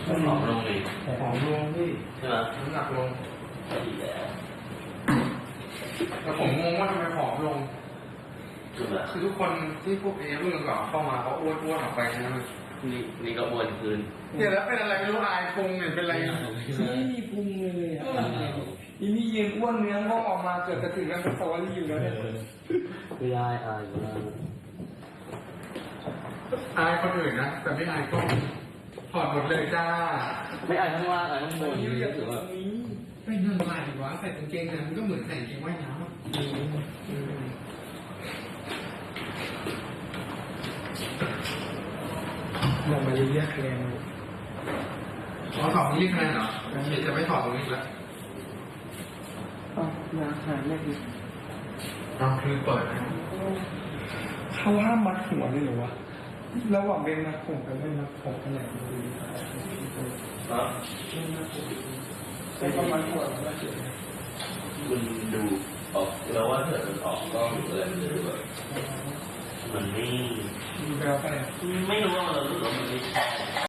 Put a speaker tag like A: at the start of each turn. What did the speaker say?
A: ผอมลงเลย
B: ผอมลงพี่
A: ใช่ไหม
B: น้ำหนักลง
A: ดีแล้ว
B: แต่ผมงงว่าทำไมผอมลงคือทุกคนที่พวกเอรุ่นก่อนเข้ามาเขาอ้วนออกไปนะ
A: นี่ก็อ้วนคืน
B: เนี่ยแล้วเป็นอะไรไม่รู้อายพุงเนี่ยเป็นอะไร
C: ไม่มีพุงเลยอ่ะอีนี่ยืนอ้วนเนื้องอกออกมาเกิดกระถึงกันสวรรค์อยู่แล้วเนี่ย
A: ไม่ได้อายมาก
B: อายคนอื่นนะแต่ไม่อายก็ถอดหมดเลยจ้า
A: ไม่อายทั้งล่างอายทั้งบนนี่ถือว่า
B: ไม่นั่งลายดีกว่าใส่กางเกงเนี่ยมันก็เหมือนใส่กางเกงว่ายน้ำ
C: ลงมาเรียกแรง
B: ถอดตรงนี้แค่เหรอเดี๋ยวจะไม่ถอดตรงนี้แล้ว
C: อยากหายไม่ดี
B: คือเปิด
C: เขาห้ามมัดหัวเลยหรอวะระหว่างเป็นมัดผมกับไม่มัดผมกันไหนดีใช้ประมาณหัวแล้วเฉย
A: คุณดูออกแล้วว่าเถิดมันออกกล้องหรืออะไรมันดูแบบมันไม่
C: ดูแล้วไป
A: ไม่รู้ว่ามันรู้สึกว่ามันไม่ใช่